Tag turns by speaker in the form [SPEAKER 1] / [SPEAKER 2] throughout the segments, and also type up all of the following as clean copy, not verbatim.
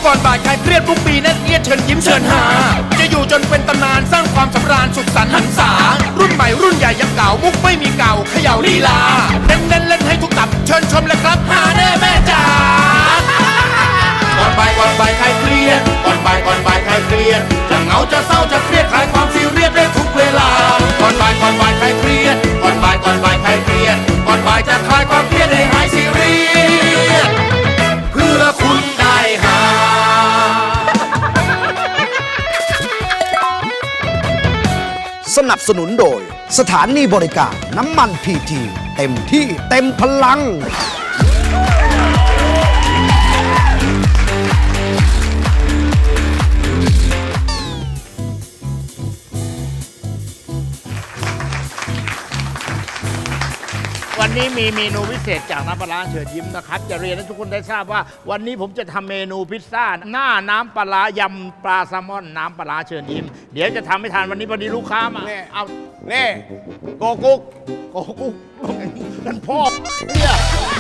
[SPEAKER 1] ก่อนบ่ายคลายเครียดทุกปีแน่นเอียดเชิญยิ้มเชิญหาจะอยู่จนเป็นตำนานสร้างความสำราญสุขสันต์หันษารุ่นใหม่รุ่นใหญ่ยังเก่ามุกไม่มีเก่าเขย่าลีลาเน้นเล่นให้ทุกตับเชิญชมเลยครับหาแน่แม่จ๋าก่อนบ่ายคลายเครียดก่อนบ่ายคลายเครียดจะเหงาจะเศร้าจะเครียดคลายความซีเรียสได้ทุกเวลาก่อนบ่ายคลายเครียดก่อนบ่ายคลายเครียดก่อนบ่ายจะคลายความเครียดให้หายซีเรียสเพื่อคุณได้หา
[SPEAKER 2] สนับสนุนโดยสถานีบริการน้ำมันพีทีเต็มที่เต็มพลัง
[SPEAKER 3] วันนี้มีเมนูพิเศษจากน้ำปลาร้าเชิญยิ้มนะครับจะเรียนให้ทุกคนได้ทราบว่าวันนี้ผมจะทำเมนูพิซซ่าหน้าน้ำปลาร้ายำปลาแซลมอนน้ำปลาร้าเชิญยิ้มเดี๋ยวจะทำให้ทานวันนี้พอดีลูกค้ามาเอา
[SPEAKER 4] เน่โกกุ๊ก
[SPEAKER 3] โอ้โหนั่นพ่อเนี่ย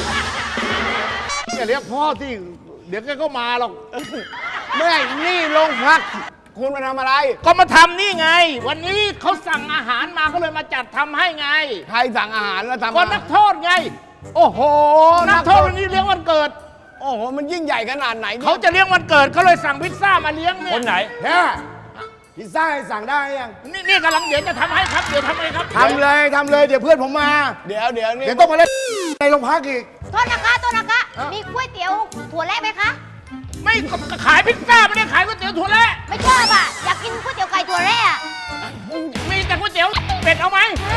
[SPEAKER 3] อย่าเรียกพ่อที่เดี๋ยวแกก็มาหรอก
[SPEAKER 4] แม่นี่โรงพักคุณมาทำอะไร
[SPEAKER 3] ก็มาทำนี่ไง วันนี้เขาสั่งอาหารมาก็เลยมาจัดทำให้ไง
[SPEAKER 4] ใครสั่งอาหารแล้วทำ
[SPEAKER 3] ก็นักโทษไง
[SPEAKER 4] โอ้โห
[SPEAKER 3] นักโทษวันนี้เลี้ยงวันเกิด
[SPEAKER 4] โอ้โห มันยิ่งใหญ่ขนาดไหนนี่ย
[SPEAKER 3] เขาจะเลี้ยงวันเกิดเขาเลยสั่งพิซซ่ามาเลี้ยงเนี่ย
[SPEAKER 5] คนไหน
[SPEAKER 4] แค่พิซซ่าให้สั่งได้ยัง
[SPEAKER 3] นี่กำลังเดี๋ยวจะทำให้ครับเดี๋ยวทำให้ครับ
[SPEAKER 4] ทำเลยเดี๋ยวเพื่อนผมมา เดี๋ยวนี่
[SPEAKER 6] เดี๋ยวต้องมาเล่นในโรงพักอีก
[SPEAKER 7] โทษนะคะ มีก๋วยเตี๋ยวถั่วแระไหมคะ
[SPEAKER 3] ไม่ขายพิซซ่าไม่ได้ขายก๋วยเตี๋ยวถั่วแระ
[SPEAKER 7] ไม่ชอบอ่ะ อยากกินก๋วยเตี๋ยวไก่ถั่วแระอะ
[SPEAKER 3] มีแต่ก๋วยเตี๋ยวเป็ดเอาไหม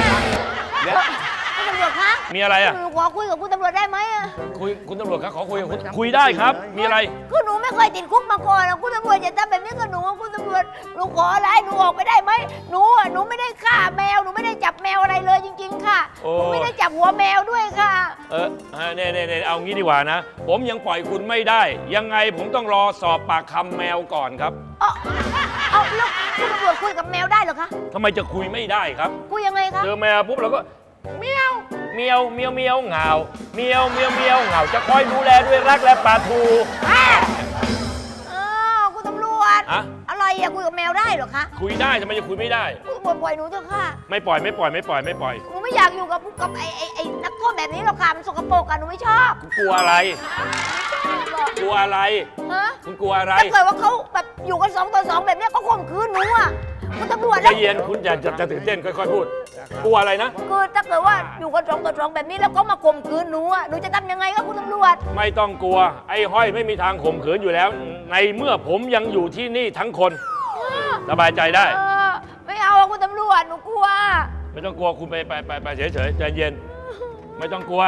[SPEAKER 7] คุณตำรวจคะ
[SPEAKER 5] มีอะไรอ่ะ
[SPEAKER 7] หนูขอคุยกับคุณตำรวจได้ไหมอะ
[SPEAKER 5] คุณตำรวจครับขอคุยกับคุณคุยได้ครับ มีอะไร
[SPEAKER 7] คือหนูไม่เคยติดคุกมาก่อนอะคุณตำรวจอย่าทำแบบนี้กับหนูอะคุณตำรวจ หนูขออะไรหนูออกไปได้ไหมหนูไม่ได้ฆ่าแมว หนูไม่ได้จับแมวอะไรเลยจริง ๆ ค่ะ
[SPEAKER 5] โอ้
[SPEAKER 7] หนูไม่ได้จับหัวแมวด้วยค่ะ
[SPEAKER 5] เนี่ยเอางี้ดีกว่านะ ผมยังปล่อยคุณไม่ได้ ยังไงผมต้องรอสอบปากคำแมวก่อนครับ
[SPEAKER 7] เอาแล้วคุณตำรวจคุยกับแมวได้เหรอคะ
[SPEAKER 5] ทำไมจะคุยไม่ได้ครับ
[SPEAKER 7] คุยยังไงคะ
[SPEAKER 5] เจอแมวปุ๊บเราก็เมียวเมียวเมียวเมียวเหงาเมียวเมียวเมียวเหงาจะคอยดูแลด้วยรักและปลาทู
[SPEAKER 7] คุณตำรวจ
[SPEAKER 5] อะ
[SPEAKER 7] อะไรอะคุยกับแมวได้เหรอคะ
[SPEAKER 5] คุยได้ทำไมจะคุยไม่ได้
[SPEAKER 7] คุณตำรวจปล่อยหนูเถอะค่ะ
[SPEAKER 5] ไม่ปล่อย
[SPEAKER 7] หนูไม่อยากอยู่กับไอ้นักโทษแบบนี้หรอกค่ะ มันสกปรกอะหนูไม่ชอบ
[SPEAKER 5] คุณกลัวอะไร กลัวอะไร
[SPEAKER 7] ฮะ
[SPEAKER 5] คุณกลัวอะไร
[SPEAKER 7] ถ้าเกิดว่าเขาแบบอยู่กัน2 ต่อ 2แบบเนี้ยเขาข่มขืนหนูอะคุณตำรวจ
[SPEAKER 5] ใจ
[SPEAKER 7] แล้ว
[SPEAKER 5] เย็นคุณจะตื่นเต้นค่อยๆพูด กลัวอะไรนะ
[SPEAKER 7] คือถ้าเกิดว่าอยู่กัน2 ต่อ 2แบบนี้แล้วเขามาข่มขืนหนูอะหนูจะทำยังไงครับคุณตำรวจ
[SPEAKER 5] ไม่ต้องกลัว ไอ้ห้อยไม่มีทางข่มขืนอยู่แล้ว ในเมื่อผมยังอยู่ที่นี่ทั้งคน สบายใจได้
[SPEAKER 7] ไม่เอาอะคุณตำรวจหนูกลัว
[SPEAKER 5] ไม่ต้องกลัวคุณไปเฉยๆใจเย็น ไม่ต้องกลัว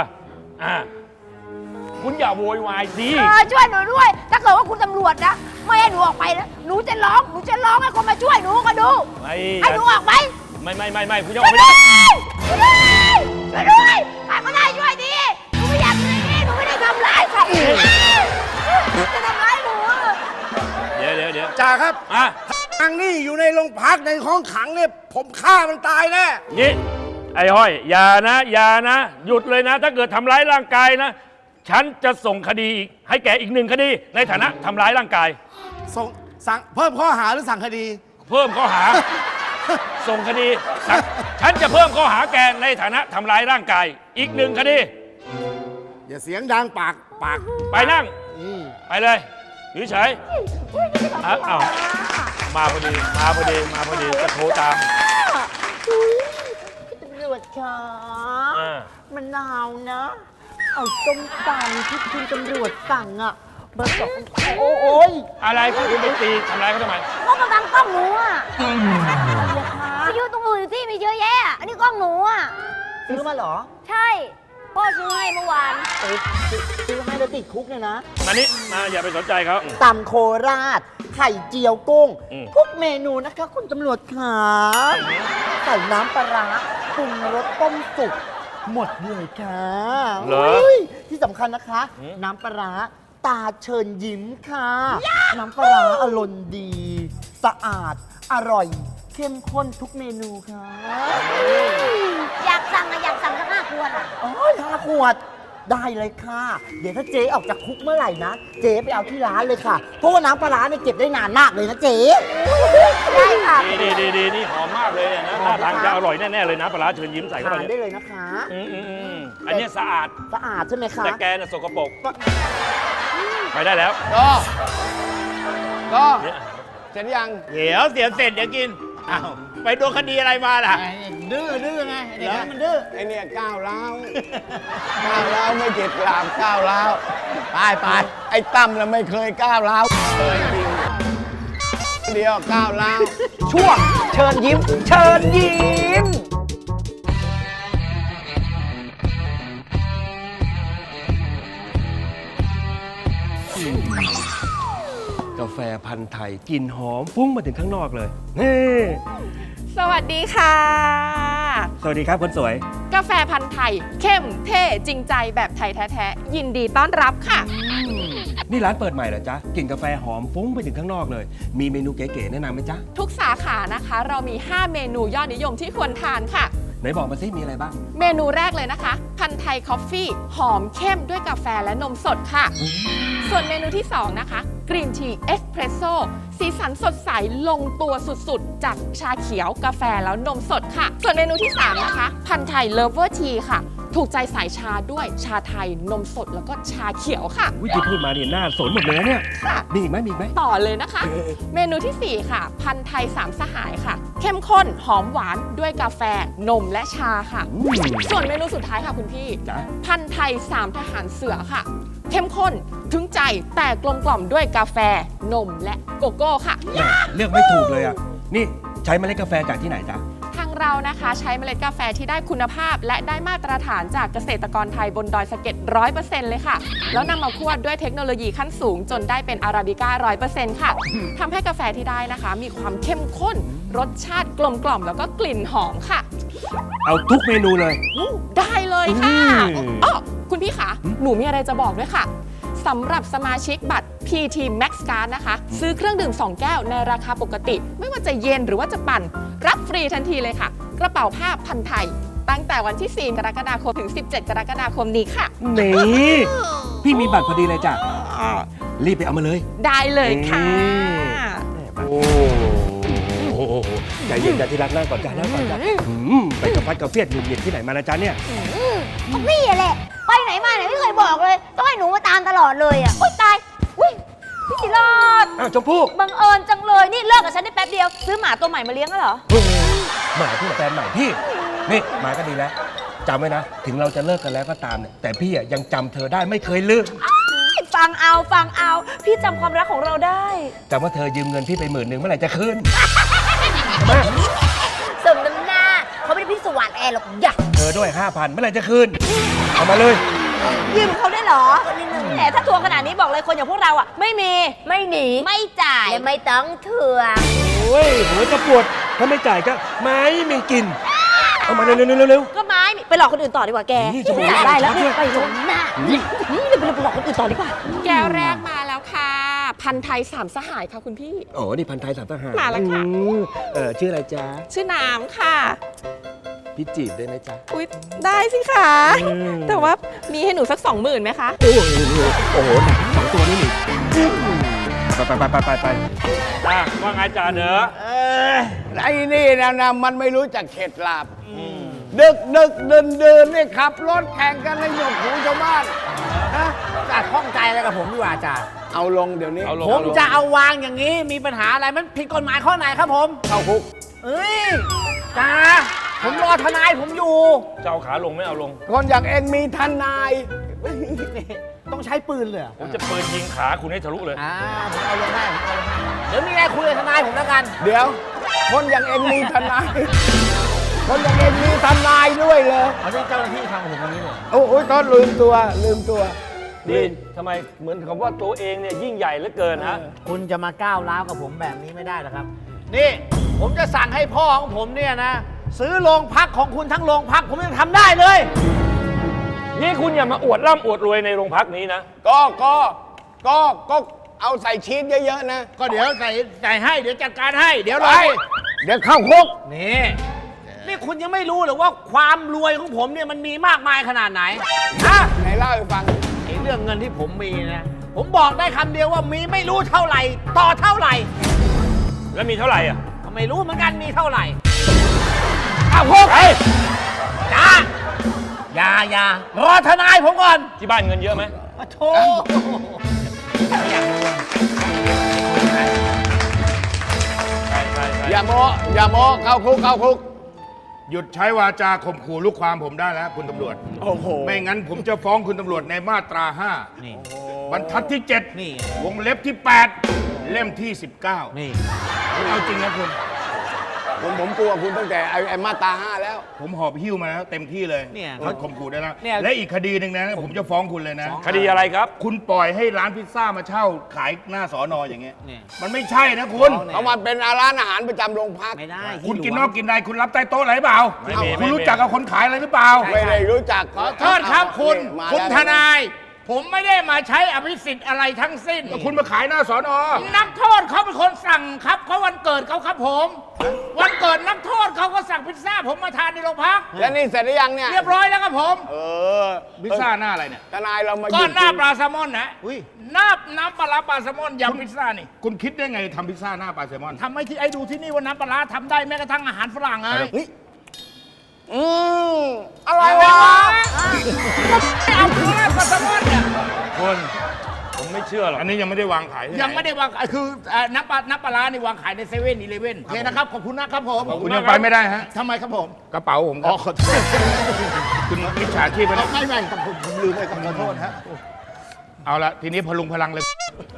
[SPEAKER 5] คุณอย่าโวยวายสิ
[SPEAKER 7] ช่วยหนูด้วย ถ้าเกิดว่าคุณตำรวจนะไม่ให้หนูออกไปนะหนูจะร้องให้คนมาช่วยหนูก็ดู ให้หนูออกไป
[SPEAKER 5] ไม่คุณยังออกไม่ได้
[SPEAKER 7] ช่วยด้วยใครก็ได้ช่วยดีหนูไม่อยากอยู่ในนี้หนูไม่ได้ทำร้ายใครจะทำร้ายหนูอะ
[SPEAKER 5] เดี๋ยว
[SPEAKER 6] จ่าครับ
[SPEAKER 5] อ่ะ
[SPEAKER 6] ทางนี่อยู่ในโรงพักในห้องขังเนี่ยผมฆ่ามันตายแน่
[SPEAKER 5] นี่ไอ้ห้อยอย่านะหยุดเลยนะ ถ้าเกิดทำร้ายร่างกายนะ ฉันจะส่งคดีอีกให้แกอีก1 คดี ในฐานะทำร้ายร่างกาย
[SPEAKER 6] สั่งเพิ่มข้อหาหรือสั่งคดี
[SPEAKER 5] เพิ่มข้อหา ส่งคดีฉันจะเพิ่มข้อหาแกในฐานะทำร้ายร่างกายอีก1 คดี
[SPEAKER 6] อย่าเสียงดังปาก
[SPEAKER 5] ไปนั่งไปเลยอยู่เฉยอ้าวมาพอดีจะโทรตาม
[SPEAKER 7] ตำรวจคะ
[SPEAKER 5] อ่า
[SPEAKER 7] มันหนาวนะ เอาส้มตำที่คุณตำรวจสั่งอะเบอร์2โอ้ย
[SPEAKER 5] อะไรคุณไปตีทำร้ายเขาทำไม
[SPEAKER 7] ก็มาบังกล้องหนูอะไปยืนตรงอื่นที่มีเยอะแยะ อันนี้กล้องหนูอะ
[SPEAKER 8] ซื้อมาเหรอ
[SPEAKER 7] ใช่พ่อซื้อให้เมื่อวาน
[SPEAKER 8] ซื้อให้แล้วติดคุกเนี่ยนะ
[SPEAKER 5] มานี่มาอย่าไปสนใจเขา
[SPEAKER 8] ตำโคราช ไข่เจียวกุ้ง
[SPEAKER 5] อืม
[SPEAKER 8] ทุกเมนูนะคะ คุณตำรวจขาใส่น้ำปลาร้าปรุงรสต้มสุกหมดเลยค่ะ
[SPEAKER 5] เหรอ
[SPEAKER 8] ฮ้ยที่สำคัญนะคะ
[SPEAKER 5] อืม
[SPEAKER 8] น้ำปลาร้าตาเชิญยิ้มค่ะ น้ำปลาร้าอร่อยดี สะอาด อร่อย เข้มข้นทุกเมนูค่ะ
[SPEAKER 7] อยากสั่งสัก5 ขวดอะ
[SPEAKER 8] โอ้ย5 ขวดได้เลยค่ะ เดี๋ยวถ้าเจ๊ออกจากคุกเมื่อไหร่นะ เจ๊ไปเอาที่ร้านเลยค่ะ เพราะว่าน้ำปลาร้าเนี่ยเก็บได้นานมากเลยนะเจ๊
[SPEAKER 7] ได้ค่ะ
[SPEAKER 5] ดีนี่หอมมากเลยเนี่ยนะท่าทางจะอร่อยแน่ๆเลยนะปลาร้าเชิญยิ้มใส่เข้าไป
[SPEAKER 8] ทาน
[SPEAKER 5] เนี่ย
[SPEAKER 8] ได้เลยนะคะ
[SPEAKER 5] อันเนี้ยสะอาด
[SPEAKER 8] สะอาดใช่ไหมคะ
[SPEAKER 5] แต่แกน่ะสกปรกไปได้แล้ว
[SPEAKER 6] ก็
[SPEAKER 5] เนี่ย
[SPEAKER 6] เสร็จยัง
[SPEAKER 3] เดี๋ยวเสร็จเดี๋ยวกินอ้าวไปโดนคดีอะไรมาล่ะ
[SPEAKER 4] ดื้อไงเด็กนั้นมันดื้อ
[SPEAKER 6] ไอเนี่ยก้าวร้าวก้าวร้าวไม่เจ็ดกลามก้าวร้าวไปไอ้ตั้มน่ะไม่เคยก้าวร้าวเลยจริงเดียวก้าวร้าว
[SPEAKER 2] ช่วงเชิญยิ้ม เชิญยิ้ม
[SPEAKER 9] กาแฟพันธุ์ไทยกลิ่นหอมฟุ้งมาถึงข้างนอกเลยนี่
[SPEAKER 10] สวัสดีค่ะ
[SPEAKER 9] สวัสดีครับคนสวย
[SPEAKER 10] กาแฟพันธุ์ไทย เข้มเท่จริงใจแบบไทยแท้ๆยินดีต้อนรับค่ะ
[SPEAKER 9] นี่ร้านเปิดใหม่เหรอจ๊ะกลิ่นกาแฟหอมฟุ้งไปถึงข้างนอกเลย มีเมนูเก๋ๆแนะนำไหมจ๊ะ
[SPEAKER 10] ทุกสาขานะคะ เรามี 5 เมนูยอดนิยมที่ควรทานค่ะ
[SPEAKER 9] ไหนบอกมาซิมีอะไรบ้าง
[SPEAKER 10] เมนูแรกเลยนะคะ พันธุ์ไทยคอฟฟี่ หอมเข้มด้วยกาแฟและนมสดค่ะ ส่วนเมนูที่ 2 นะคะกรีนทีเอสเพรสโซ่สีสันสดใสลงตัวสุดๆ จากชาเขียวกาแฟแล้วนมสดค่ะ ส่วนเมนูที่ 3 นะคะ พันธุ์ไทยเลฟเวอร์ทีค่ะ ถูกใจสายชาด้วยชาไทยนมสดแล้วก็ชาเขียวค่ะ
[SPEAKER 9] วิธีพูดมาเนี่ยน่าสนหมดเลยนะเนี่ย
[SPEAKER 10] ค่ะ
[SPEAKER 9] มีอีกไหมมีอีกไหม
[SPEAKER 10] ต่อเลยนะคะ เมนูทีสี่ 4 ค่ะ พันธุ์ไทยสามสหายค่ะ เข้มข้นหอมหวานด้วยกาแฟ นมและชาค่ะ ส่วนเมนูสุดท้ายค่ะคุณพี่
[SPEAKER 9] จ๊ะ
[SPEAKER 10] พันธุ์ไทยสามทหารเสือค่ะ เข้มข้นถึงใจแต่กลมกล่อมด้วยกาแฟ นมและโกโก้ค่ะ
[SPEAKER 9] เลือกไม่ถูกเลยอ่ะ นี่ใช้เมล็ดกาแฟจากที่ไหนจ๊ะ
[SPEAKER 10] ทางเรานะคะใช้เมล็ดกาแฟที่ได้คุณภาพ และได้มาตรฐานจากเกษตรกรไทยบนดอยสะเก็ด 100% เลยค่ะ แล้วนำมาคั่วด้วยเทคโนโลยีขั้นสูงจนได้เป็นอาราบิก้า 100% ค่ะทำให้กาแฟที่ได้นะคะ มีความเข้มข้น รสชาติกลมกล่อมแล้วก็กลิ่นหอมค่ะ
[SPEAKER 9] เอาทุกเมนูเลย
[SPEAKER 10] ได้เลยค่ะ
[SPEAKER 9] อืม
[SPEAKER 10] อ๋อคุณพี่คะหนูมีอะไรจะบอกด้วยค่ะสำหรับสมาชิกบัตร PT Max Card นะคะ ซื้อเครื่องดื่ม 2 แก้วในราคาปกติ ไม่ว่าจะเย็นหรือว่าจะปั่น รับฟรีทันทีเลยค่ะ กระเป๋าผ้าพันไทย ตั้งแต่วันที่ 4 กรกฎาคมถึง 17 กรกฎาคมนี้ค่ะ
[SPEAKER 9] นี่พี่มีบัตรพอดีเลยจ้ะรีบไปเอามาเลย
[SPEAKER 10] ได้เลยค่ะ
[SPEAKER 9] โอ้โหใจเย็นจ้ะที่รักนั่งก่อนจ้ะนั่งก่อนจ้ะไปกระฟัดกระเฟียดหงุดหงิดที่ไหนมานะจ๊ะเนี่ย
[SPEAKER 7] ของพี่อะแหละ ไปไหนมาไหนไม่เคยบอกเลย ต้องให้หนูมาตามตลอดเลยอ่ะ อุ้ยตาย อุ้ยพี่สิรอด
[SPEAKER 9] อ้าวชมพู่
[SPEAKER 7] บังเอิญจังเลย นี่เลิกกับฉันได้แป๊บเดียว ซื้อหมาตัวใหม่มาเลี้ยงแล้วเหรอ
[SPEAKER 9] หมาที่แฟนใหม่พี่ นี่หมาก็ดีแล้วจำไว้นะ ถึงเราจะเลิกกันแล้วก็ตามเนี่ยแต่พี่อ่ะยังจำเธอได้ไม่เคยลืม
[SPEAKER 7] ฟังเอา พี่จำความรักของเราได้
[SPEAKER 9] จำว่าเธอยืมเงินพี่ไป10,000เมื่อไหร่จะคืน
[SPEAKER 7] สมน้ำหน้า เขาไม่ได้พี่สว่านแอร์หรอกอย่า
[SPEAKER 9] เธอด้วย 5,000เมื่อไหร่จะคืน เอามาเลย
[SPEAKER 7] ยืมเขาได้เหรอแหมถ้าทวงขนาดนี้บอกเลยคนอย่างพวกเราอ่ะ ไม่มี ไม่หนี ไม่จ่าย และไม่ต้องทวง
[SPEAKER 9] โอ้ยหัวจะปวด ถ้าไม่จ่ายก็ไม่มีกิน เอามาเร็ว
[SPEAKER 7] ก็ไม้มีไปหลอกคนอื่นต่อดีกว่าแก
[SPEAKER 9] นี่จะบอก
[SPEAKER 7] จ่ายได้แล้ว
[SPEAKER 9] ด้วย
[SPEAKER 7] ไปลงหน้าเดี๋ยวไปหลอกคนอื่นต่อดีกว่า
[SPEAKER 10] แก้วแรกมาแล้วค่ะ พันธุ์ไทยสามสหายค่ะคุณพี่
[SPEAKER 9] โอ้นี่พันไทยสามทหาร
[SPEAKER 10] มาแล้วค่ะ
[SPEAKER 9] ชื่ออะไรจ๊ะ
[SPEAKER 10] ชื่อน้ำค่ะ
[SPEAKER 9] พี่จีบได้ไหมจ๊ะ
[SPEAKER 10] อุ๊ย ได้สิคะ แต่ว่ามีให้หนูสัก 20,000ไหมคะ
[SPEAKER 9] โอ้โหหนัก2ตัวนี่หนิไป
[SPEAKER 5] ว่าไงจ่าเด้อ
[SPEAKER 6] ไอ้นี่นะมันไม่รู้จักเข็ดหลาบดึกเดินนี่ขับรถแข่งกันในหยกหูชาวบ้านนะ
[SPEAKER 4] จ่าข้องใจอะไรกับผมดีกว่าจ่า
[SPEAKER 6] เอาลงเดี๋ยวนี้
[SPEAKER 5] เอาลง
[SPEAKER 4] ผมจะเอาวางอย่างนี้มีปัญหาอะไรมันผิดกฎหมายข้อไหนครับผม
[SPEAKER 6] เข้าคุก
[SPEAKER 4] เอ้ยจ่าผมรอทนายผมอยู่
[SPEAKER 5] จะเอาขาลงไม่เอาลง
[SPEAKER 6] คนอย่างเองมีทนาย
[SPEAKER 4] ต้องใช้ปืนเลยเหรอ
[SPEAKER 5] ผมจะปืนยิงขาคุณให้ทะลุเลย
[SPEAKER 4] ผมเอาลงได้เดี๋ยวมีอะไรคุยกับทนายผมแล้วกัน
[SPEAKER 6] เดี๋ยว คนอย่างเองมีทนาย คนอย่างเองมีทนายด้วยเลย
[SPEAKER 4] เอาที่เจ้าหน้าที่ทำกับผมอย่างนี้เลย
[SPEAKER 6] โอ้ยก็ลืมตัว
[SPEAKER 5] นี่ทำไมเหมือนกับว่าตัวเองเนี่ยยิ่งใหญ่เหลือเกินฮะ
[SPEAKER 4] คุณจะมาก้าวร้าวกับผมแบบนี้ไม่ได้หรอกครับ นี่ผมจะสั่งให้พ่อของผมเนี่ยนะ ซื้อโรงพักของคุณทั้งโรงพักผมยังทำได้เลย
[SPEAKER 5] นี่คุณอย่ามาอวดร่ำอวดรวยในโรงพักนี้นะ
[SPEAKER 6] ก็เอาใส่ชีสเยอะๆนะ
[SPEAKER 3] ก็เดี๋ยวใส่ให้ เดี๋ยวจัดการให้ เดี๋ยวรอ
[SPEAKER 6] เดี๋ยวเข้าคุก
[SPEAKER 3] นี่
[SPEAKER 4] นี่คุณยังไม่รู้หรือว่าความรวยของผมเนี่ยมันมีมากมายขนาดไหนฮะ
[SPEAKER 6] ไหนเล่าให้ฟัง
[SPEAKER 4] ไอ้เรื่องเงินที่ผมมีนะ ผมบอกได้คำเดียวว่ามีไม่รู้เท่าไหร่ ต่อเท่าไหร่
[SPEAKER 5] แล้วมีเท่าไหร่อ่ะ
[SPEAKER 4] ก็ไม่รู้เหมือนกันมีเท่าไหร่อ้าวพวกจ้าอย่ารอทนายผมก่อน
[SPEAKER 5] ที่บ้านเงินเยอะไหม
[SPEAKER 4] โธ่
[SPEAKER 5] ใช่ใช่
[SPEAKER 6] อย่าโมอย่าโมเข้าคุกเข้าคุก
[SPEAKER 1] หยุดใช้วาจาข่มขู่ลูกความผมได้แล้วคุณตำรวจ
[SPEAKER 6] โอ้โห
[SPEAKER 1] ไม่งั้นผมจะฟ้องคุณตำรวจในมาตรา
[SPEAKER 4] นี่
[SPEAKER 1] 5 บรรทัดที่
[SPEAKER 4] นี่
[SPEAKER 1] 7 วงเล็บที่ 8 เล่มที่ 19
[SPEAKER 4] นี่
[SPEAKER 1] เอาจริงนะคุณ
[SPEAKER 6] ผมกลัวคุณตั้งแต่ไอ้มาตรา5แล้ว
[SPEAKER 1] ผมหอบหิ้วมาแล้วเต็มที่เลย
[SPEAKER 4] เนี่ย
[SPEAKER 1] เขาข่มขู่ได้แล้ว
[SPEAKER 4] เนี่ย
[SPEAKER 1] และอีกคดีหนึ่งนะ ผมจะฟ้องคุณเลยนะ
[SPEAKER 5] คดีอะไรครับ
[SPEAKER 1] คุณปล่อยให้ร้านพิซซ่ามาเช่าขายหน้าสอนออย่างเงี้ย
[SPEAKER 4] เนี่ย
[SPEAKER 1] มันไม่ใช่นะคุณ
[SPEAKER 6] เขามาเป็นร้านอาหารประจำโรงพัก
[SPEAKER 4] ไม่ได้
[SPEAKER 1] คุณกินนอกกินในคุณรับใต้โต๊ะอะไรหรือเปล่า
[SPEAKER 5] ไม่มี
[SPEAKER 1] คุณรู้
[SPEAKER 5] ไม่มี
[SPEAKER 1] จักกับคนขายอะไรหรือเปล่า
[SPEAKER 6] ไม่ได้รู้จัก
[SPEAKER 3] ขอโทษครับคุณ
[SPEAKER 6] มา
[SPEAKER 3] คุณ
[SPEAKER 6] แล้ว
[SPEAKER 3] ทนาย ผมไม่ได้มาใช้อภิสิทธิ์อะไรทั้งสิ้น
[SPEAKER 1] คุณมาขายหน้าสอนอ
[SPEAKER 3] นักโทษเขาเป็นคนสั่งครับเขาวันเกิดเขาครับผม วันเกิดนักโทษเขาก็สั่งพิซซ่าผมมาทานในโรงพัก
[SPEAKER 6] แล้วนี่เสร็จหรือยังเนี่ย
[SPEAKER 3] เรียบร้อยแล้วครับผม
[SPEAKER 6] เออ
[SPEAKER 1] พิซซ่าหน้าอะไรเนี่ย
[SPEAKER 6] ทนายเรามา
[SPEAKER 3] ก้อนหน้าปลา
[SPEAKER 6] หยุด
[SPEAKER 3] แซลมอนนะหน้าน้ำปลาร้าปลาแซลมอนยำพิซซ่านี่
[SPEAKER 1] คุณคิดได้ไงทำพิซซ่าหน้าปลาแซลมอน
[SPEAKER 3] ทำให้ที่ไอ้ดูที่นี่ว่าน้ำปลาร้าทำได้แม้กระทั่งอาหารฝรั่งไง
[SPEAKER 6] อร่อยวะ
[SPEAKER 3] ไม่เอาปลาร้าปลาแซลมอนเนี่ย
[SPEAKER 5] คนผมไม่เชื่อหรอก
[SPEAKER 1] อันนี้ยังไม่ได้วางขายที่หน
[SPEAKER 3] ยังไม่ได้วางคือน้ำปลาร้านี่วางขายใน7-11โอเคนะครับขอบคุณนะครับผม
[SPEAKER 1] คุณยังไปไม่ได้ฮะ
[SPEAKER 3] ทำไมครับผม
[SPEAKER 1] กระเป๋าผมครับคุณมิจฉาชีพไปแล้ว
[SPEAKER 3] ไม่ครับผมลืมไปขอโทษฮะ
[SPEAKER 1] เอาละทีนี้พลุงพลังเลย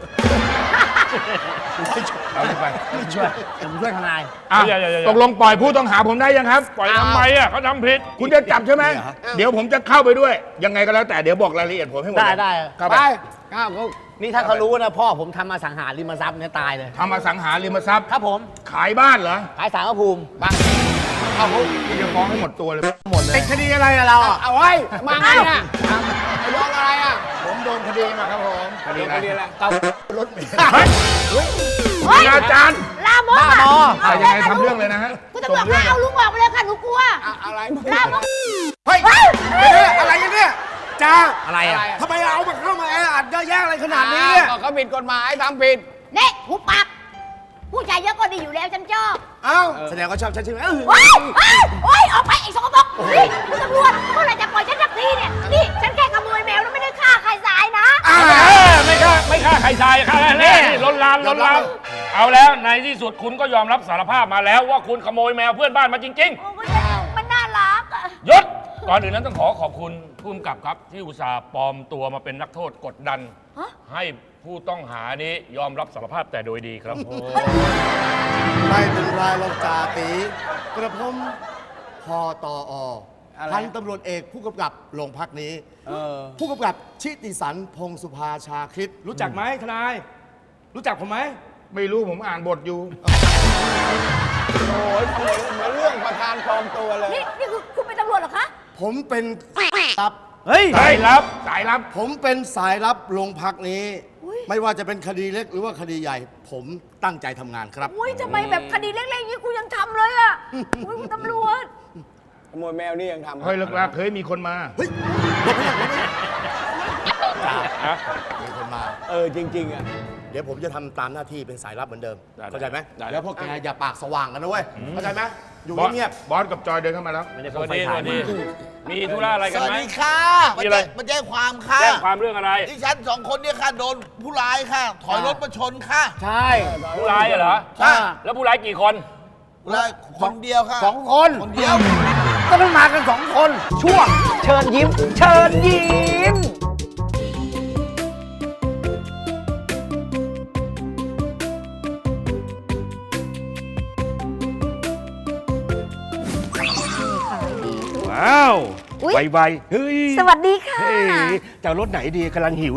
[SPEAKER 1] เอาไป
[SPEAKER 4] ผมช่วยทนาย
[SPEAKER 1] อ่ะตกลงปล่อยผู้ต้องหาผมได้ยังครับ
[SPEAKER 5] ปล่อยทำไมอ่ะเขาทำผิด
[SPEAKER 1] คุณจะจับใช่ไหม เดี๋ยวผมจะเข้าไปด้วย ยังไงก็แล้วแต่เดี๋ยวบอกรายละเอียดผมให้หมด
[SPEAKER 4] ได้
[SPEAKER 1] เข้า
[SPEAKER 6] ไป
[SPEAKER 1] ไป
[SPEAKER 6] ข้าวคุก
[SPEAKER 4] นี่ถ้าเขารู้นะพ่อผมทำมาสังหาริมทรัพย์เนี่ยตายเลย
[SPEAKER 1] ทำอสังหาริมทรัพย์
[SPEAKER 4] ครับผม
[SPEAKER 1] ขายบ้านเหรอ
[SPEAKER 4] ขายสารพระภูมิ
[SPEAKER 1] เข้าคุกคุณจะฟ้องให้หมดตัวเลย
[SPEAKER 4] หมดเลย
[SPEAKER 1] คดีอะไรอะเราอะ
[SPEAKER 6] เอาไว้มาไงเนี่ยไอ้โดนอะไรอ่ะ
[SPEAKER 3] ผมโดนคดีมาครับผม
[SPEAKER 1] คดีอะไร
[SPEAKER 6] คดีอะไร
[SPEAKER 3] รถเมล์
[SPEAKER 1] เฮ้ยอาจารย์
[SPEAKER 7] ลามก
[SPEAKER 4] บ้าบอ
[SPEAKER 1] อ่ะยังไงทำเรื่องเลยนะฮะ
[SPEAKER 7] คุณตำรวจคะเอาลุงออกไปเลยค่ะหนูกลัว
[SPEAKER 6] อะไรมึง
[SPEAKER 7] ลามก
[SPEAKER 1] เฮ้ยอะไรกันเนี่ยจ้า
[SPEAKER 4] อะไรอ่ะ
[SPEAKER 1] ทำไมเอามาเข้ามาแออัดเยอะแยะอะไรขนาดนี้
[SPEAKER 6] ก็เขาผิดกฎหมายทำผิด
[SPEAKER 7] เน่หูปากผู้ชายเยอะก็ดีอยู่แล้วฉันชอบ
[SPEAKER 1] เอ้าแสดงว่าชอบฉันใช่ไหม
[SPEAKER 7] โอ๊ยโอ๊ยออกไปไอ้สกปรกนี่คุณตำรวจเมื่อไหร่จะปล่อยฉันสักทีเนี่ยนี่ฉันแค่ขโมยแมวแล้วไม่ได้ฆ่าใครตายนะ
[SPEAKER 5] ไม่ฆ่าใครทรายฆ่าแค่นี้ล้นลามเอาแล้วในที่สุดคุณก็ยอมรับสารภาพมาแล้วว่าคุณขโมยแมวเพื่อนบ้านมาจริง
[SPEAKER 7] โอ้มันน่ารักอะ
[SPEAKER 5] ๆยศก่อนอื่นนั้นต้องขอบคุณผู้กำกับครับ ที่อุตส่าห์ปลอมตัวมาเป็นนักโทษกดดัน ให้ผู้ต้องหานี้ยอมรับสารภาพแต่โดยดีครับ
[SPEAKER 11] ไม่เป็นไรหรอกจ่าตีกระผมพอตอ
[SPEAKER 6] อะไร
[SPEAKER 11] พันตำรวจเอกผู้กำกับโรงพักนี้ ผู้กำกับชิติสันพงสุภาชาคริตรู้จักไหมทนาย รู้จักผมไหม
[SPEAKER 1] ไม่รู้ผมอ่านบทอยู่
[SPEAKER 6] โอ้ยทำเหมือนเรื่องประธานปลอมตัวเลย
[SPEAKER 7] นี่คือคุณเป็นตำรวจเหรอคะ
[SPEAKER 11] ผมเป็นลับ
[SPEAKER 4] เฮ้ย
[SPEAKER 1] สายลับ สายลับ
[SPEAKER 11] ผมเป็นสายลับโรงพักนี้ ไม่ว่าจะเป็นคดีเล็กหรือว่าคดีใหญ่ ผมตั้งใจทำงานครับ
[SPEAKER 7] อุ้ยทำไมแบบคดีเล็กๆอย่างนี้กูยังทำเลยอะอุ้ยคุณตำรวจ
[SPEAKER 6] ขโมยแมวนี่ยังทำ
[SPEAKER 1] เฮ้ยเลิกลาเคยมีคนมา
[SPEAKER 11] มีคนมา
[SPEAKER 6] จริงๆอ่ะ
[SPEAKER 11] เดี๋ยวผมจะทำตามหน้าที่เป็นสายลับเหมือนเดิม เข้าใจไหมแล้วพวกแกอย่าปากสว่างกันนะเว้ย เข้าใจไหมอยู่
[SPEAKER 1] บอส
[SPEAKER 11] เงียบ
[SPEAKER 1] บอสกับจอยเดินเข้ามาแล้ว
[SPEAKER 5] สวัสดีมีธุระอะไร
[SPEAKER 8] ส
[SPEAKER 5] กัน
[SPEAKER 8] วัส
[SPEAKER 5] ไหม
[SPEAKER 8] ดีค่ะ
[SPEAKER 5] มีอะไร
[SPEAKER 8] มาแจ้งความค่ะ
[SPEAKER 5] แจ้งความเรื่องอะไร
[SPEAKER 8] ดิฉันสองคนเนี่ยค่ะโดนผู้ร้ายค่ะ ถอยรถมาชนค่ะ
[SPEAKER 4] ใช่
[SPEAKER 5] ผู้ร้ายเหรอ
[SPEAKER 8] ค่ะ
[SPEAKER 5] แล้วผู้ร้ายกี่คน
[SPEAKER 8] ผู้ร้ายคนเดียวค่ะ
[SPEAKER 4] สองคน
[SPEAKER 8] คนเดียว
[SPEAKER 4] ก็ต้องมากัน2 คน ช่วงเชิญยิ้ม เชิญยิ้ม
[SPEAKER 9] ว้าว
[SPEAKER 7] อุ๊ย
[SPEAKER 9] ไวๆเฮ้ย
[SPEAKER 7] สวัสดีค่ะ
[SPEAKER 9] เฮ้ยจะเอารถไหนดีกำลังหิวเลย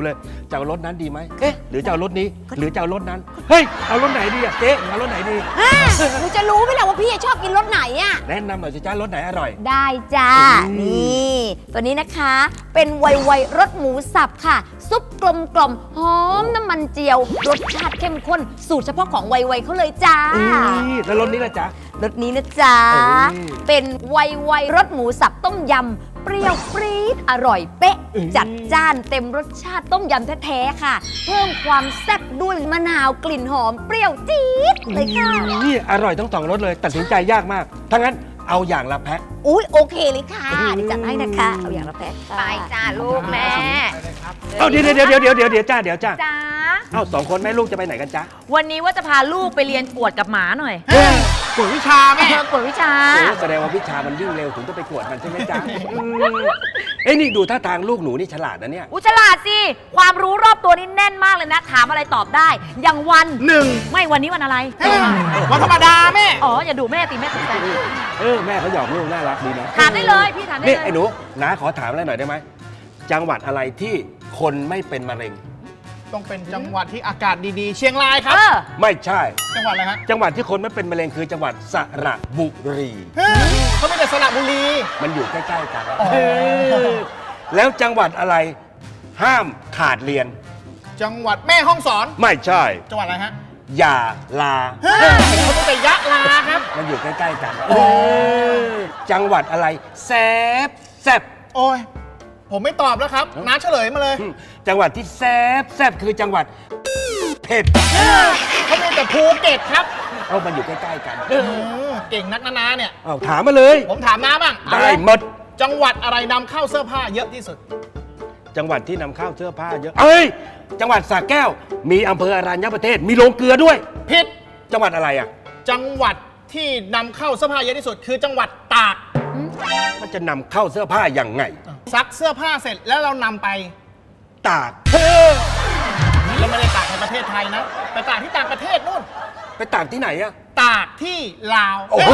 [SPEAKER 9] จะเอารถนั้นดีไหมเอ๊ะหรือจะเอารถนี้หรือจะเอารถนั้นเฮ้ยเอารถไหนดีอะเจ๊เอารถไหนดี
[SPEAKER 7] หนูจะรู้ไหมล่ะว่าพี่ชอบกินรสไหนอ่ะ
[SPEAKER 9] แนะนำหน่อยสิจ้ารถไหนอร่อย
[SPEAKER 7] ได้จ้า นี่ตัวนี้นะคะ เป็นไวรสหมูสับค่ะ ซุปกลมกล่อมหอมน้ำมันเจียว รสชาติเข้มข้น สูตรเฉพาะของไวเขาเลยจ้า
[SPEAKER 9] แล้วรถนี้ล่ะจ๊ะ
[SPEAKER 7] รสนี้นะจ๊ะ
[SPEAKER 9] เออ
[SPEAKER 7] เป็นไวรสหมูสับต้มยำ เปรี้ยวปรี๊ดอร่อยเป๊ะ จัดจ้านเต็มรสชาติต้มยำแท้ๆค่ะ เพิ่มความแซ่บด้วยมะนาวกลิ่นหอมเปรี้ยวจี๊ดเลยค่ะ
[SPEAKER 9] นี่อร่อยทั้งสองรสเลยตัดสินใจยากมากถ้างั้นเอาอย่างละแพ็ค
[SPEAKER 7] อุ๊ยโอเคเลยค่ะเดี๋ยวจัดให้นะคะ เอาอย่างละแพ็คค่ะไปจ้าลูกแม่
[SPEAKER 9] เอาเดี๋ยวจ้า
[SPEAKER 7] จ้า
[SPEAKER 9] เอาสองคนแม่ลูกจะไปไหนกันจ๊ะ
[SPEAKER 12] วันนี้ว่าจะพาลูกไปเรียนกวดกับหมาหน่อย
[SPEAKER 11] กวดวิชาแม่
[SPEAKER 12] กวดวิชา
[SPEAKER 9] โอ้แสดงว่าวิชามันวิ่งเร็วถึงจะไปกวดมันใช่ไหมจ๊ะเอ้ยนี่ดูท่าทางลูกหนูนี่ฉลาดนะเนี่ย
[SPEAKER 12] อุยฉลาดสิ ความรู้รอบตัวนี่แน่นมากเลยนะ ถามอะไรตอบได้ อย่างวัน
[SPEAKER 11] 1
[SPEAKER 12] ไม่วันนี้วันอะไร
[SPEAKER 11] วันธรรมดาแม่
[SPEAKER 12] อ๋อ อย่าดูแม่ตีแม่ตกใจ
[SPEAKER 9] แม่เขาหยอกลูกน่ารักดีนะ
[SPEAKER 12] ถามได้เลย พี่ถามได้
[SPEAKER 9] นี่
[SPEAKER 12] เลย
[SPEAKER 9] ไอ้หนูน้าขอถามอะไรหน่อยได้ไหมจังหวัดอะไรที่คนไม่เป็นมะเร็ง
[SPEAKER 11] ต้องเป็นจังหวัดที่อากาศดีๆ เชียงรายครับ
[SPEAKER 9] ไม่ใช่
[SPEAKER 11] จังหวัดอะไรฮะ
[SPEAKER 9] จังหวัดที่คนไม่เป็นมะเร็งคือจังหวัดสระบุรี
[SPEAKER 11] เขาไม่ได้สระบุรี
[SPEAKER 9] มันอยู่ใกล้ๆกันแล้วจังหวัดอะไรห้ามขาดเรียน
[SPEAKER 11] จังหวัดแม่ฮ่องสอน
[SPEAKER 9] ไม่ใช่
[SPEAKER 11] จังหวัดอะไรฮะ
[SPEAKER 9] อย่าลา
[SPEAKER 11] เขาต้องแต่ยะลาครับ
[SPEAKER 9] มันอยู่ใกล้ๆกันจังหวัดอะไรแซบแซบ
[SPEAKER 11] โอ้ย ผมไม่ตอบแล้วครับ น้าเฉลยมาเลย
[SPEAKER 9] จังหวัดที่แซบแซบคือจังหวัดเผ็ด
[SPEAKER 11] เขามีแต่ภูเก็ตครับ
[SPEAKER 9] เอามันอยู่ใกล้ๆกัน
[SPEAKER 11] เก่งนักนะน้าเนี่ย
[SPEAKER 9] เอาถามมาเลย
[SPEAKER 11] ผมถามน้าบ้าง
[SPEAKER 9] ได้หมด
[SPEAKER 11] จังหวัดอะไรนำเข้าเสื้อผ้าเยอะที่สุด
[SPEAKER 9] จังหวัดที่นำเข้าเสื้อผ้าเยอะเอ้ยจังหวัดสระแก้ว มีอำเภออรัญญประเทศมีโรงเกลือด้วย
[SPEAKER 11] ผิด
[SPEAKER 9] จังหวัดอะไรอ่ะ
[SPEAKER 11] จังหวัดที่นำเข้าเสื้อผ้าเยอะที่สุด คือจังหวัดตาก
[SPEAKER 9] มันจะนำเข้าเสื้อผ้าอย่างไง
[SPEAKER 11] ซักเสื้อผ้าเสร็จแล้วเรานำไป
[SPEAKER 9] ตาก
[SPEAKER 11] เราไม่ได้ตากในประเทศไทยนะไปตากที่ต่างประเทศนู่น
[SPEAKER 9] ไปตากที่ไหนอ่ะ
[SPEAKER 11] ตากที่ลาว
[SPEAKER 9] โอ้โห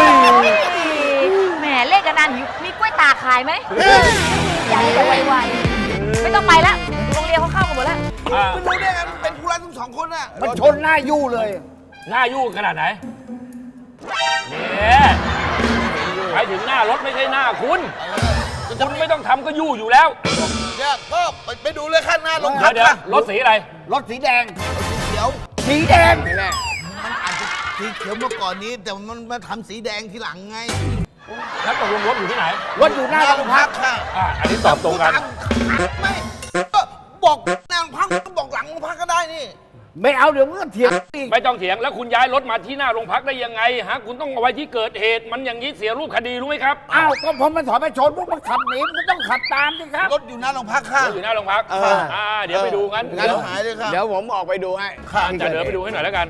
[SPEAKER 12] แหมเล่นกันนานหิวมีกล้วยตากขายไหมอยากให้ไวๆไม่ต้องไปแล้วโรงเรียนเขาเข้ากันหมดแล้ว
[SPEAKER 6] มันรู้ได้ไงมันเป็นผู้ร้ายทั้งสองคนน่ะ
[SPEAKER 4] มันชนหน้ายู่เลย
[SPEAKER 5] หน้ายู่ขนาดไหนเนี่ยหมายถึงหน้ารถไม่ใช่หน้าคุณคุณไม่ต้องทำก็ยู่อยู่แล้ว
[SPEAKER 6] เนี่ยก็ไปดูเลยข้างหน้าลง
[SPEAKER 5] เดี๋ยวรถสีอะไร
[SPEAKER 4] รถสีแดง
[SPEAKER 6] เขียว
[SPEAKER 4] สีแดง
[SPEAKER 6] มันอาจจะสีเขียวเมื่อก่อนนี้ แต่มันมาทำสีแดงทีหลังไง
[SPEAKER 5] แล้วตกลงรถอยู่ที่ไหน
[SPEAKER 4] รถอยู่หน้าโรงพัก
[SPEAKER 6] ค่ะ
[SPEAKER 5] อันนี้ตอบตรงกัน
[SPEAKER 6] ไม่ก็บอกหน้าโรงพักก็บอกหลังโรงพักก็ได้นี่
[SPEAKER 4] ไม่เอาเดี๋ยวมึงก็เถียงอีก
[SPEAKER 5] ไม่ต้องเถียงแล้วคุณย้ายรถมาที่หน้าโรงพักได้ยังไงฮะคุณต้องเอาไว้ที่เกิดเหตุมันอย่างนี้เสียรูปคดีรู้ไหมครับ
[SPEAKER 4] อ้าวก็พอมันถอยไปชนพวกมันขับหนีมันก็ต้องขับตามสิครับ
[SPEAKER 6] รถอยู่หน้าโรงพักค่ะ
[SPEAKER 5] รถอยู่หน้าโรงพักเดี๋ยวไปดูงั้น
[SPEAKER 6] งั้นหายเลยค่ะ
[SPEAKER 4] เดี๋ยวผมออกไปดูให้
[SPEAKER 5] จะเดี๋ยวไปดูให้หน่อยแล้วกัน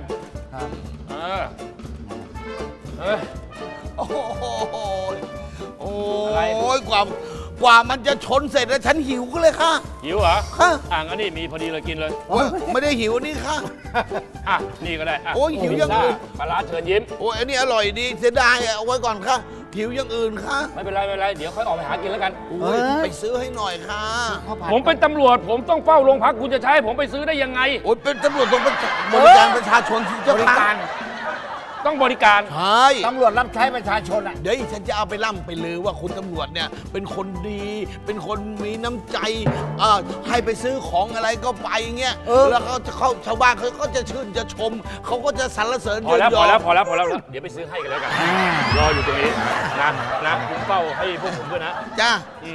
[SPEAKER 5] เออ
[SPEAKER 6] โอ้โหโอ้
[SPEAKER 5] อะไร
[SPEAKER 6] ยกว่ามันจะชนเสร็จแล้วฉันหิวก็เลยค่ะ
[SPEAKER 5] หิวเหรอ
[SPEAKER 6] ค่ะ
[SPEAKER 5] งั้นนี่มีพอดีเลยกินเลย
[SPEAKER 6] โอ้ยไม่ได้หิวนี่ค่ะ
[SPEAKER 5] นี่ก็ได้
[SPEAKER 6] โอ้ยหิวอย่างอื่น
[SPEAKER 5] ปลาร้าเชิญยิ้ม
[SPEAKER 6] โอ้ยอันนี้อร่อยดีเสียดายอะเอาไว้ก่อนค่ะหิวอย่างอื่นค่ะ
[SPEAKER 5] ไม่เป็นไรไม่เป็นไรเดี๋ยวค่อยออกไปหากินแล้วกัน
[SPEAKER 6] โอ้ยไปซื้อให้หน่อยค่ะ
[SPEAKER 5] ผมเป็นตำรวจผมต้องเฝ้าโรงพักคุณจะใช้ให้ผมไปซื้อได้ยังไง
[SPEAKER 6] โอ้ยเป็นตำรวจต้องบริการประชาชนที่เจ้า
[SPEAKER 4] บริ
[SPEAKER 6] ค่ะ
[SPEAKER 4] การ
[SPEAKER 5] ต้องบริการ
[SPEAKER 6] ใช่
[SPEAKER 4] ตำรวจรับใช้ประชาชนอ่ะ
[SPEAKER 6] เดี๋ยวฉันจะเอาไปล่ำไปลือว่าคุณตำรวจเนี่ยเป็นคนดี เป็นคนมีน้ำใจให้ไปซื้อของอะไรก็ไปเงี้ยแล้วเขาจะเข้าชาวบ้านเขาก็จะชื่นจะชมเขาก็จะสรรเสริญ
[SPEAKER 5] พอแล้ว
[SPEAKER 6] เยิน
[SPEAKER 5] พ
[SPEAKER 6] ย
[SPEAKER 5] อ
[SPEAKER 6] อ
[SPEAKER 5] แล้วพอแล้วพอแล้วเดี๋ยวไปซื้อให้กันแล้วกันรออยู่ตรงนี้นะคุณเฝ้าให้พวกผมด้วยนะ
[SPEAKER 6] จ้า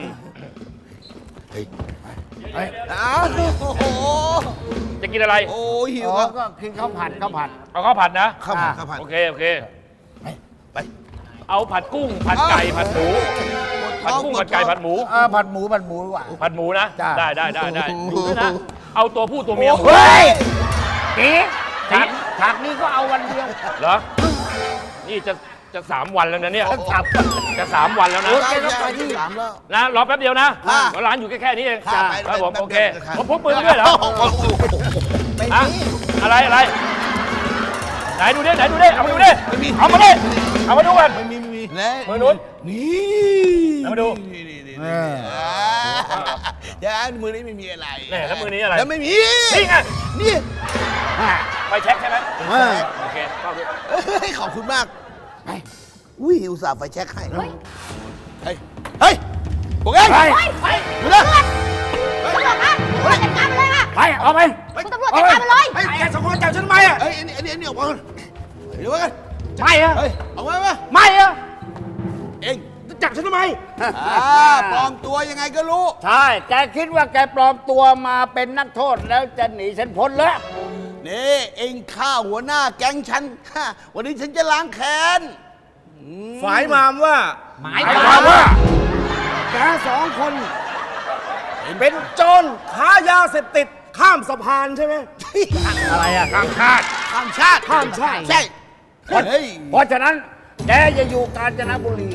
[SPEAKER 6] อ้าวโอ้โห
[SPEAKER 5] จะกินอะไร
[SPEAKER 6] โอ้ยหิว
[SPEAKER 4] อ๋อ
[SPEAKER 6] ครับ
[SPEAKER 4] ก็กินข้าวผัดข้าวผัด
[SPEAKER 5] เอาข้าวผัดนะ
[SPEAKER 6] ข้าวผัดข้าวผัด
[SPEAKER 5] โอเคโอเค
[SPEAKER 6] ไป
[SPEAKER 5] เอาผัดกุ้งผัดไก่ผัดหมูผัดกุ้งผัดไก่ผัดหมู
[SPEAKER 4] ผัดหมูดีกว่า
[SPEAKER 5] ผัดหมูนะ
[SPEAKER 4] จ้ะ
[SPEAKER 5] ได้ดูด้วยนะเอาตัวผู้ตัวเมีย
[SPEAKER 4] เฮ้ยจีฉากนี้ก็เอาวันเดียว
[SPEAKER 5] เหรอนี่จะ3 วันแล้วนะเนี่ย
[SPEAKER 4] ฉับ
[SPEAKER 5] จะ3 วันแล้วนะ
[SPEAKER 6] ได้ไปที่สามแล้ว
[SPEAKER 5] นะรอแป๊บเดียวนะ
[SPEAKER 6] ค่ะ
[SPEAKER 5] ร้านอยู่แค่นี้เอง
[SPEAKER 6] ค่ะ
[SPEAKER 5] ครับผม
[SPEAKER 6] ไป
[SPEAKER 5] โอเค
[SPEAKER 6] ค่ะ
[SPEAKER 5] ผมพกปืนมาด้วยเหรอ
[SPEAKER 6] ไม่
[SPEAKER 5] ฮะ
[SPEAKER 6] มี
[SPEAKER 5] อะไรไหนดูดิเอามาดูดิเอามาดิเอามาดูกัน
[SPEAKER 6] ไม่มีมือ
[SPEAKER 5] มือนู้น
[SPEAKER 6] นี่
[SPEAKER 5] เอามาดู
[SPEAKER 6] นี่แต่มือนี้ไม่มีอะไร
[SPEAKER 5] แน่แล้วมือนี้อะไร
[SPEAKER 6] แล้วไม่มี
[SPEAKER 5] นี่ไง
[SPEAKER 6] นี่
[SPEAKER 5] ไฟแช็กใช่ไหมโอเคเข้าด้วย
[SPEAKER 6] เฮ้ยขอบคุณมากอุ้ยอุตส่าห์ไฟแช็คให้เฮ้ยเฮ้ยพวกเองไปดูนะ
[SPEAKER 7] ตำรวจคะตำรวจจัดการมันเลยค่ะ
[SPEAKER 5] ไปเอาไป
[SPEAKER 7] คุณตำรวจจัดการมันเลย
[SPEAKER 6] ไอ้แกสองคนจับฉันทำไมอ่ะเฮ้ยอันนี้ออกมาเดี๋ยวกัน
[SPEAKER 4] ไม่อะ
[SPEAKER 6] เฮ้ยออกมา
[SPEAKER 4] ไม่อะ
[SPEAKER 6] เอง
[SPEAKER 4] จับฉันทำไม
[SPEAKER 6] ปลอมตัวยังไงก็รู้
[SPEAKER 4] ใช่ แกคิดว่าแกปลอมตัวมาเป็นนักโทษแล้วจะหนีฉันพ้นแล้ว
[SPEAKER 6] นี่เองฆ่าหัวหน้าแก๊งฉันวันนี้ฉันจะล้างแค้น
[SPEAKER 11] ฝ่ายมามว่า
[SPEAKER 4] หมายความว่า
[SPEAKER 11] แกสองคน เป็นโจรค้ายาเสพติดข้ามสะพานใช่ไหม
[SPEAKER 4] อะไรอะ
[SPEAKER 5] ข้ามชาติ
[SPEAKER 6] ข้ามชาติ
[SPEAKER 11] ข้ามชาติ
[SPEAKER 6] ใช่เฮ้ย
[SPEAKER 4] เพราะฉะนั้นแกจะอยู่กาญจนบุรี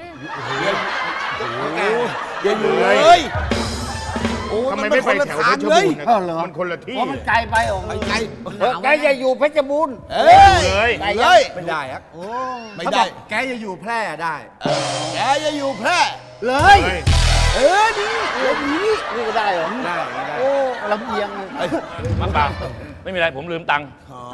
[SPEAKER 6] อย่าอยู่เลย โอ้
[SPEAKER 3] ทำไม
[SPEAKER 6] น
[SPEAKER 3] ไม่
[SPEAKER 6] ค
[SPEAKER 3] ไป
[SPEAKER 6] นละ
[SPEAKER 3] แถว
[SPEAKER 6] ทา
[SPEAKER 3] เพ
[SPEAKER 6] ง
[SPEAKER 3] ชร
[SPEAKER 6] เล
[SPEAKER 3] บู
[SPEAKER 6] ย
[SPEAKER 3] รณ์นะมันคนละที่
[SPEAKER 4] เพราะมันไกลไปโอ้
[SPEAKER 6] ไปไกล
[SPEAKER 4] แกจะอยู่เพชรบูรณ์
[SPEAKER 6] เอ้ย
[SPEAKER 5] เลย
[SPEAKER 6] เลย
[SPEAKER 11] ไม่ได้ครับ
[SPEAKER 6] ไม่ได้
[SPEAKER 11] แกจะอยู่แพร่ได้
[SPEAKER 6] แกจะอยู่แพร่
[SPEAKER 11] เลย
[SPEAKER 6] นี่เดี๋ยวนี้
[SPEAKER 4] นี่ก็ได้เหรอ
[SPEAKER 11] ได้
[SPEAKER 4] โอ้ลำเอียงเลย
[SPEAKER 5] มาเปล่าไม่มีอะไรผมลืมตังค์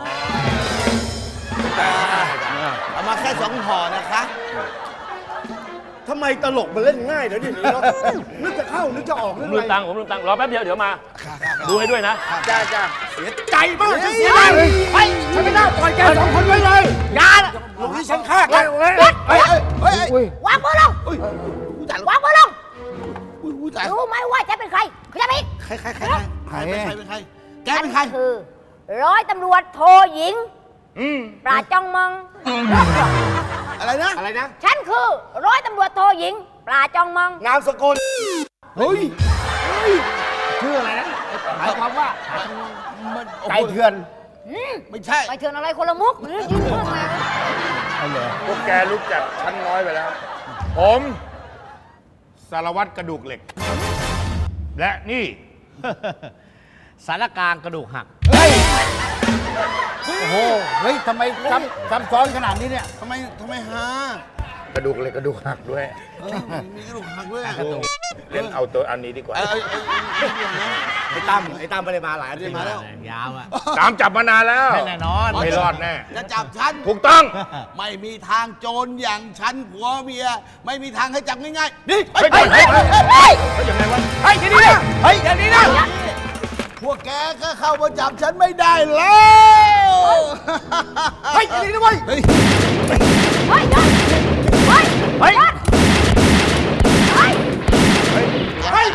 [SPEAKER 6] เอามาแค่2ห่อนะคะ
[SPEAKER 11] ทำไมตลกมันเล่นง่ายเดี๋ยวนี้เนาะนึกจะเข้านึกจะออก
[SPEAKER 5] ผ
[SPEAKER 11] นึ
[SPEAKER 5] ม
[SPEAKER 11] ก
[SPEAKER 5] ลื
[SPEAKER 11] อะ
[SPEAKER 5] ม
[SPEAKER 11] ไร
[SPEAKER 5] ตังค์ผมลืมตังค์รอแป๊บเดียวเดี๋ยวมา ดูให้ด้วยนะ
[SPEAKER 4] จ้าจ้า
[SPEAKER 11] เสียใจมากจะเสียดายไปฉันไม่ได้ปล่อยแกสองคนไว้เลย
[SPEAKER 4] ยาละ
[SPEAKER 11] ลูกนี้ฉันฆ่าแก
[SPEAKER 6] เฮ้ย
[SPEAKER 7] วางมือลง
[SPEAKER 6] อุ้ยว
[SPEAKER 7] างมือลง
[SPEAKER 6] อุ้ยตาย
[SPEAKER 7] รู้ไหมว่าฉันเป็นใครเขาจะไป
[SPEAKER 6] ใครเป็นใครแกเป็นใคร
[SPEAKER 7] คือร้อยตำรวจโทหญิงปราดจ้องมอง
[SPEAKER 6] อะไรนะ
[SPEAKER 11] อะไรนะ
[SPEAKER 7] ฉันคือร้อยตำรวจโทหญิงปราดจ้องมอง
[SPEAKER 11] นามสกุล
[SPEAKER 6] เฮ้ย
[SPEAKER 4] ชื่ออะไรนะหมายความว่า
[SPEAKER 6] มัน
[SPEAKER 4] ไก่เถื่อน
[SPEAKER 6] ไม่ใช่
[SPEAKER 7] ไปเถื่อนอะไรคนละมุกหรือยืนเพื่อไง
[SPEAKER 3] พวกแกรู้จักชั้นน้อยไปแล้ว ผมสารวัตรกระดูกเหล็ก และนี่
[SPEAKER 4] สารกลางกระดูกหัก โอ้โห เฮ้ยทำไมซับซ้อนขนาดนี้เนี่ย
[SPEAKER 6] ทำไมหาก
[SPEAKER 3] ระดูกเหล็กกระดูกหักด้วย
[SPEAKER 6] มีกระดูกหักด้วย
[SPEAKER 3] เล่นเอาตัวอันนี้ดีกว่า
[SPEAKER 11] ไอ้ตั้มไม่ได้มาหลายอาทิตย์
[SPEAKER 6] มาแล้ว
[SPEAKER 4] ยาวอ่ะ
[SPEAKER 3] ตามจับมานานแล้ว
[SPEAKER 4] แน่นอน
[SPEAKER 3] ไม่รอดแน่
[SPEAKER 6] จะจับฉัน
[SPEAKER 3] ถูกต้อง
[SPEAKER 6] ไม่มีทางโจรอย่างฉันผัวเมีย ไม่มีทางให้จับง่ายๆ นี่
[SPEAKER 3] เฮ้ยเฮ้ยเฮ้ยเฮ้ยยังไงวะ
[SPEAKER 6] เฮ้ยอย่างนี้นะเฮ้ยอย่างนี้นะพวกแกก็เข้ามาจับฉันไม่ได้แล้ว
[SPEAKER 11] เฮ้ยอย่างนี้นะเว้ย
[SPEAKER 6] เฮ้ย
[SPEAKER 7] เฮ้ยเฮ้ยเฮ้ยเฮ้ย
[SPEAKER 11] เฮ้ย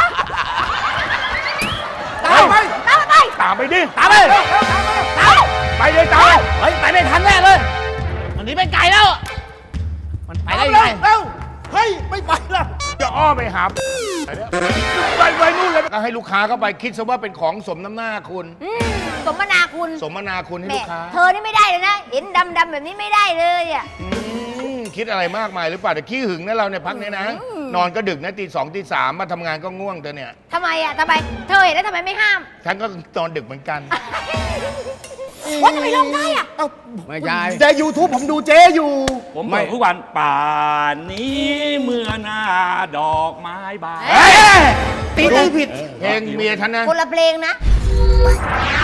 [SPEAKER 7] ตามไปตามไป
[SPEAKER 3] ตามไปดิ
[SPEAKER 4] ตามไป
[SPEAKER 7] ตาม
[SPEAKER 3] ไปเลยตาม
[SPEAKER 4] เฮ้ย ไปไม่ทันแน่เลย มันหนีไปไกลแล้ว มันไปได้ยังไง
[SPEAKER 11] เร็วเฮ้ยไม่ไปละ
[SPEAKER 3] จะอ้อมไปหาไปนู่นเลยก็ให้ลูกค้าเข้าไปคิดซะว่าเป็นของสมน้ำหน้าคุณ
[SPEAKER 7] สมนาคุณ
[SPEAKER 3] สมนาคุณให้
[SPEAKER 7] แม่
[SPEAKER 3] ลูกค้า
[SPEAKER 7] เธอนี่ไม่ได้เลยนะ เห็นดำๆแบบนี้ไม่ได้เลยอ่ะ
[SPEAKER 3] คิดอะไรมากมายหรือเปล่าแต่ขี้หึงนะเราเนี่ยพักนี้นะ นอนก็ดึกนะตี 2ตี 3มาทำงานก็ง่วงเธอเนี่ย
[SPEAKER 7] ทำไมอ่ะทำไม เธอเห็นแล้วทำไมไม่ห้าม
[SPEAKER 3] ฉันก็นอนดึกเหมือนกัน
[SPEAKER 7] ว่าทำไมลงได้อ่ะ
[SPEAKER 4] ไม่ใช่
[SPEAKER 11] แต่ YouTube ผมดูเจ๊อยู่
[SPEAKER 5] ผมเปิดทุกวันป่านนี้เมื่อหน้าดอกไม้บาน
[SPEAKER 3] ตีผิดเพลงเมียฉันนะ
[SPEAKER 7] คนละเพลงนะ